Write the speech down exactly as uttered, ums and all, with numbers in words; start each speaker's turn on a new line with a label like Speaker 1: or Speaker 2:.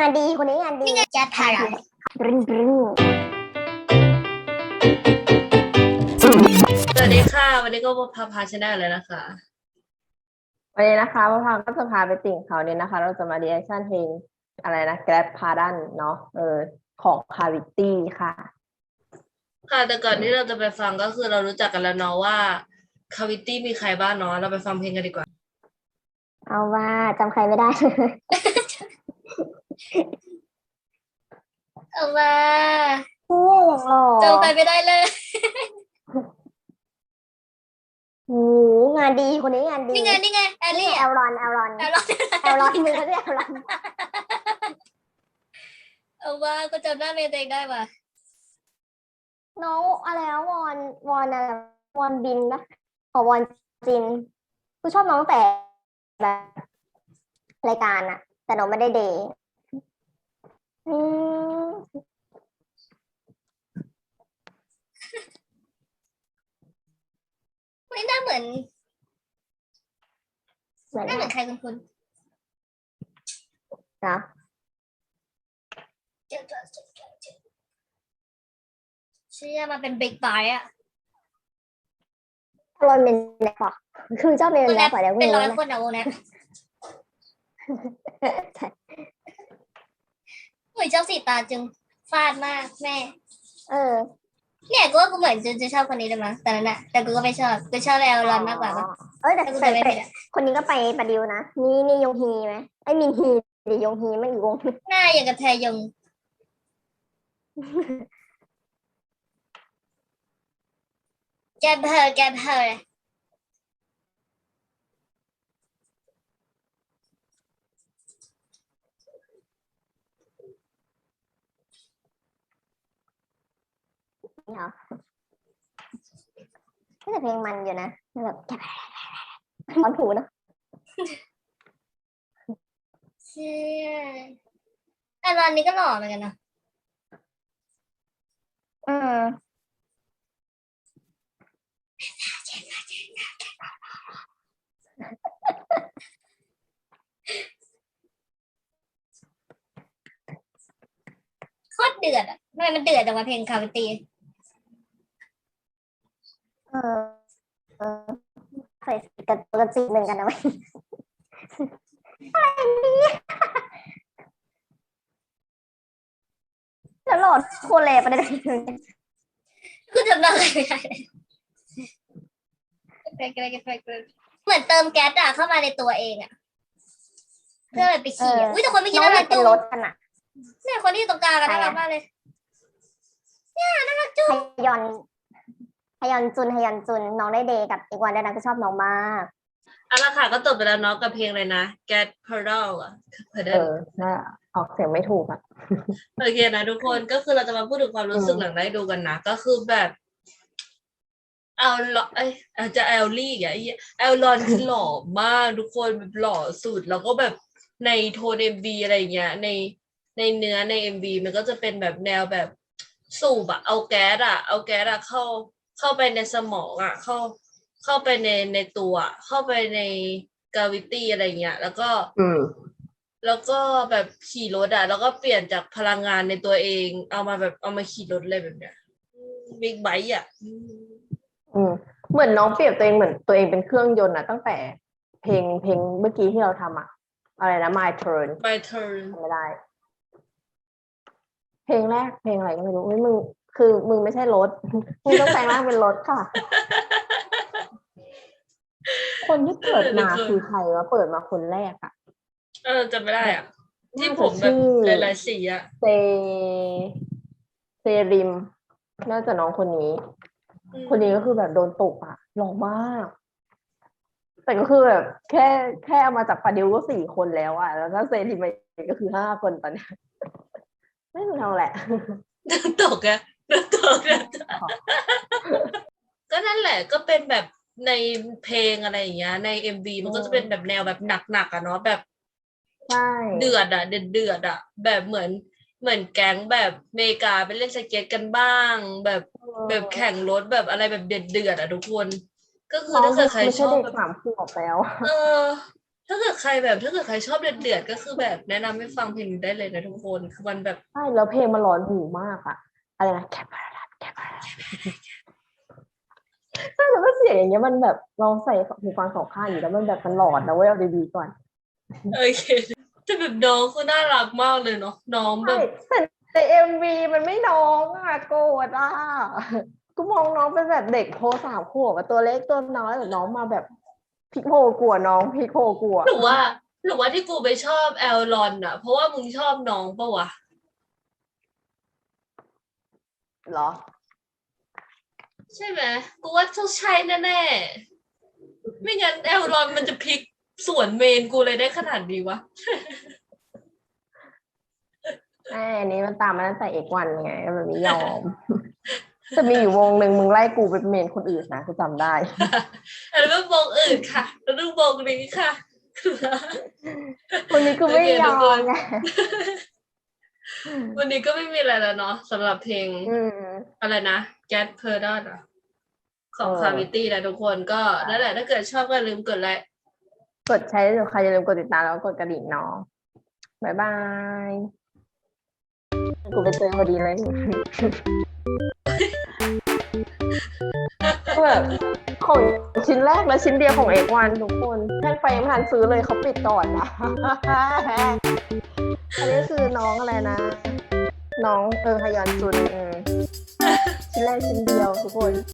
Speaker 1: านดีคนนี้งานดี
Speaker 2: นี่ไงแจ๊ดพารา
Speaker 1: บรึ้งบรึ้ง
Speaker 3: สวัสดีค่ะวันนี้ก็พาพาชาแนลเลยนะคะ
Speaker 4: วันนี้นะคะพระพังก็จะพาไปติ่งเขาเนี่ยนะคะ เราจะมารีแอคชั่นเพลงอะไรนะ Grab Pardon เนาะเออของ Cavity ค่ะ
Speaker 3: ค่ะแต่ก่อนที่เราจะไปฟังก็คือเรารู้จักกันแล้วเนาะว่าคาวิตี้มีใครบ้างเนาะเราไปฟังเพลงกันดีกว่า
Speaker 1: เอาว่าจำใครไม่ได้
Speaker 2: เอามา
Speaker 1: เฮ้ยอย่างหล่อ
Speaker 2: เจอใครไม่ได้เลย
Speaker 1: โอ้งานดีคนนี้งานดี
Speaker 2: นี่ไงนี่ไงแอลลี่
Speaker 1: แอลรอนแอลรอน
Speaker 2: แอลลอน
Speaker 1: แอลรอนมือเขาเรียกแอลรอน
Speaker 2: เอาว่าก็จำหน้าเมย์ตัวเองได้ว่ะ
Speaker 1: น้องอะไรนะวอนวอนอะไรวอนบินนะขอวอนจินคือชอบน้องแต่แบบรายการอะแต่น้องไม่ได้เดย์อืม
Speaker 2: ไม่น่าเหมือน
Speaker 1: เหมือน
Speaker 2: น่าเหมือนใครคุณคุณ
Speaker 1: นะ
Speaker 2: เจ้าตัวเจ้าตัวเจ้าเชื่อมาเป็นบิ๊กไบอะ
Speaker 1: อารอนเป็นแนปะคือเจ้าเป็น
Speaker 2: วง
Speaker 1: แน
Speaker 2: แอ
Speaker 1: ป
Speaker 2: ป
Speaker 1: อะเดี๋ยว
Speaker 2: เป็นร้อย
Speaker 1: นะ
Speaker 2: คนอะวงแอป
Speaker 1: ใช่
Speaker 2: เหมือนเจ้าสีตาจึงฟาดมากแม่
Speaker 1: เออ
Speaker 2: เนี่ยกูว่ากูเหมือนจะจะชอบคนนี้เลยมั้งแต่นั้นอะแต่กูก็ไม่ชอบกูชอบแอลลอนมากกว่าปะ
Speaker 1: เอ้ยแต่
Speaker 2: แต่กู
Speaker 1: แต่
Speaker 2: จำไม่
Speaker 1: แต่
Speaker 2: ผิดอะ
Speaker 1: คนนี้ก็ไปประดิวนะนี่นี่ยงฮีไหมไอ้มินฮีหรือยงฮีไม่อีกวง
Speaker 2: หน้าอย่างกับแทยงแกเพอแกเพอ
Speaker 1: นี่เหรอแต่เพลงมันอยู่นะแบบแกร้อนถูนะ
Speaker 2: เชื่อแต่ตอนนี้ก็หล่อเหมือนกันเนาะ
Speaker 1: อืม
Speaker 2: โคตรเดือดอ่ะทำไมมันเดือดจังวะเพลงคาวิตี้
Speaker 1: เออเออใส่กระกระจีเหมือนกันนะเว้ยอะไรเนี่ยแล้วโหลดโคเลประเด็น
Speaker 2: กูจำได้ไม่ได้เหมือนเติมแก๊สอะเข้ามาในตัวเองอะเพื่อแบบไปขี่อะอุ้ยแต่คนไม่คิด
Speaker 1: น้อง
Speaker 2: น่า
Speaker 1: มั
Speaker 2: รั
Speaker 1: น
Speaker 2: ก
Speaker 1: เป็น
Speaker 2: จุ๊
Speaker 1: ร
Speaker 2: บ
Speaker 1: ถกันอะ
Speaker 2: เนี่ยคนที่อยู่ตรงกลางกันน่ารักมากเลยเนี่ยน่ารักจุ๊
Speaker 1: ฮ
Speaker 2: บ
Speaker 1: ยอนฮยอนจุนฮยอนจุนน้องได้เดย์กับอีกวันได้นะก็ชอบน้องมาก
Speaker 3: เอาละค่ะก็จบไปแล้วเนาะกับเพลงเลยนะ Get Pearl อ่ะ
Speaker 4: เอ
Speaker 3: Pearl
Speaker 4: อน่าออกเสียงไม่ถูกอ่ะ
Speaker 3: โอเคนะทุกคนก็คือเราจะมาพูดถึงความรู้สึกหลังได้ดูกันนะก็คือแบบเอาลอเอ้ยอาจจะแอลลี่อ่ะไอ้แอลลอนคือหล่อมากทุกคนแบบหล่อสุดแล้วก็แบบในโทนเอ็มวีอะไรเงี้ยในในเนื้อในเอ็มวีมันก็จะเป็นแบบแนวแบบสูบอะเอาแก๊สอะเอาแก๊สอะเข้าเข้าไปในสมองอะเข้าเข้าไปในในตัวเข้าไปในกาวิตี้อะไรเงี้ยแล้วก็
Speaker 4: อืม
Speaker 3: แล้วก็แบบขี่รถอะแล้วก็เปลี่ยนจากพลังงานในตัวเองเอามาแบบเอามาขี่รถเลยแบบเนี้ยบิ๊กไบค์อะ
Speaker 4: อืมเหมือนน้องเปรียบตัวเองเหมือนตัวเองเป็นเครื่องยนต์อะตั้งแต่เพลงเพลงเมื่อกี้ที่เราทำอะอะไรนะ My Turn
Speaker 3: My turn
Speaker 4: ทำไม่ได้ เพลงแรกเพลงอะไรก็ไม่รู้เฮ้ยมึงคือมึงไม่ใช่รถ มึงต้องแปลงร่างเป็นรถค่ะ คนที่เปิดมาคือใครวะเปิดมาคนแรกอะ
Speaker 3: เออจำไม่ได้อ่ะ ที่
Speaker 4: น่า
Speaker 3: ผ
Speaker 4: จะ
Speaker 3: มแบบ
Speaker 4: ชื่อ
Speaker 3: หลายๆสีอ่ะ
Speaker 4: เซเซริมน่าจะน้องคนนี้
Speaker 3: อืม
Speaker 4: คนนี้ก็คือแบบโดนตกอะหล่อมาก แต่ก็คือแบบแค่แค่เอามาจากปาดิวก็สี่คนแล้วอะแล้วก็เซริมไปก็คือห้าคนตอนเนี้ยไม่รู้ทำแหละ
Speaker 3: โดนตกอะโดนตกอะก็นั่นแหละก็เป็นแบบในเพลงอะไรอย่างเงี้ยในเอ็มวีมันก็จะเป็นแบบแนวแบบหนักๆอะเนาะแบบ
Speaker 4: ใช่
Speaker 3: เดือดอะเดือดเดือดอะแบบเหมือนเหมือนแก๊งแบบเมกาไปเล่นสเก็ตกันบ้าง แบบแบบแข่งรถแบบอะไรแบบเดือดเดือดอะทุกคน ก็คือ
Speaker 4: น้อง
Speaker 3: ถ้าเกิดใคร
Speaker 4: ไม่
Speaker 3: ช
Speaker 4: ใช่
Speaker 3: อบ
Speaker 4: เด็ก
Speaker 3: แบบ
Speaker 4: สามขวบแล้ว
Speaker 3: เออถ้าเกิดใครแบบถ้าเกิดใครชอบเดือดๆก็คือแบบแนะนำให้ฟังเพลงนี้ได้เลยนะทุกคนคือมันแบบ
Speaker 4: ใช่แล้วเพลงมันร้อนหูมากอะอะไรนะแคปพาราแคปพาราใช่แล้วก็เสียงอย่างเงี้ยมันแบบลองใส่หูฟังสองข้างอยู่แล้วมันแบบมันหลอนนะเว้ยเอาดีๆก่อน
Speaker 3: โอเคแต่แบบน้องคือน่ารักมากเลยเนาะน้องแบ
Speaker 4: ใช่
Speaker 3: บ
Speaker 4: แต่ในเอ็มวีมันไม่น้องอะโกรธอะกูมองน้องเป็นแบบเด็กโพสามขวบอะตัวเล็กตัวน้อยแต่น้องมาแบบพลิกโผกลัวน้องพลิกโผกลัว
Speaker 3: หรือว่าหรือว่าที่กูไปชอบแอลลอนอ่ะเพราะว่ามึงชอบน้องปะวะ
Speaker 4: เหรอ
Speaker 3: ใช่ไหมกูว่าต้องใช่แน่ๆไม่งั้นแอลลอนมันจะพลิกสวนเมนกูเลยได้ขนาดนี้วะ
Speaker 4: ไอ้อันนี้มันตามมาตั้งแต่เอกวันไงมันไม่ยอม จะมีอยู่วงหนึ่งมึงไล่กูไปเมนคนอื่นนะกูจำได้
Speaker 3: แล้วก็วงอื่นค่ะ แล้วก็วงนี้ค่ะ
Speaker 4: คนนี้กูไม่ยอมไง
Speaker 3: วันนี้ก็ไม่มีอะไรแล้วเนาะสำหรับเพลง
Speaker 4: อืม
Speaker 3: อะไรนะ Get p e r d o n อะของ
Speaker 4: เออ
Speaker 3: Cavity นะทุกคนก็นั่นแหละถ้าเกิดชอบก็อย่าลืมกดไลค์
Speaker 4: กดใช้ใครอย่าลืมกดติดตามแล้วก็กดกระดิ่งเนาะบ๊ายบาย กูไปเจอพอดีเลย แบบของชิ้นแรกและชิ้นเดียวของเอกวันทุกคนแท่งไฟยังไม่ทันซื้อเลยเขาปิดก่อนนะ อันนี้คือน้องอะไรนะ น้องเออฮยอนจุนเออชิ้นแรกชิ้นเดียวทุกคน